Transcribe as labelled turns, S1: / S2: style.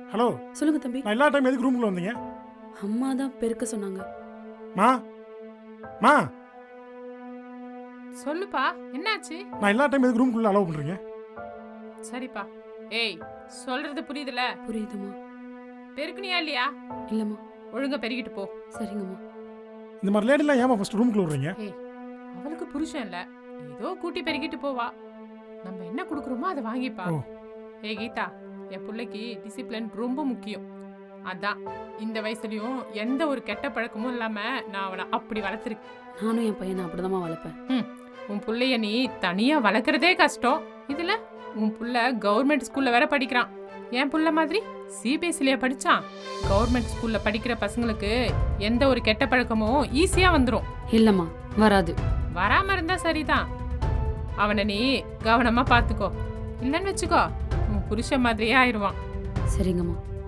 S1: Hello,
S2: சொல்லுங்க தம்பி.
S1: நான் எல்லா டைம் எதுக்கு ரூமுக்குள்ள வந்தீங்க?
S2: அம்மா தான் பெருக்க சொன்னாங்க.
S1: மா மா
S3: சொல்லுப்பா, என்னாச்சு?
S1: நான் எல்லா டைம் எதுக்கு ரூமுக்குள்ள அலோவ் பண்றீங்க?
S3: சரிப்பா. ஏய், சொல்றது புரியுதுல?
S2: புரியுதுமா?
S3: பெருக்குனியா இல்லையா?
S2: இல்லம்மா.
S3: ஒழுங்கா பெருகிட்டு போ.
S2: சரிங்கம்மா.
S1: இந்த மாதிரி லேடிலாம் ஏமா ஃபர்ஸ்ட் ரூமுக்குள்ள விடுறீங்க?
S3: ஏய், அவளுக்கு புருஷன் இல்ல, ஏதோ கூட்டி பெருகிட்டு போவா. நம்ம என்ன கொடுக்குறோமோ அதை வாங்கிப்பா.
S1: ஓ.
S3: ஏய் கீதா, என் பிள்ளைக்கு டிசிப்ளின் ரொம்ப முக்கியம். அதான் இந்த வயசுலயும் எந்த ஒரு கெட்ட பழக்கமும் இல்லாம நான் அவனை அப்படி வளர்த்துருக்கேன்.
S2: நானும் என் பையனை அப்படிதாம்மா வளர்ப்பேன்.
S3: உன் புள்ளைய நீ தனியா வளர்க்குறதே கஷ்டம். இதுல உன் புள்ள கவர்மெண்ட் ஸ்கூல்ல வேற படிக்கிறான். என் புள்ள மாதிரி சிபிஎஸ்சிலேயே படிச்சான். கவர்மெண்ட் ஸ்கூல்ல படிக்கிற பசங்களுக்கு எந்த ஒரு கெட்ட பழக்கமும் ஈஸியா வந்துடும்.
S2: இல்லம்மா, வராது.
S3: வராம இருந்தா சரிதான். அவனை நீ கவனமா பாத்துக்கோ. இல்லன்னு வச்சுக்கோ, உன் புருஷன் மாதிரியே ஆயிடுவான்.
S2: சரிங்கம்மா.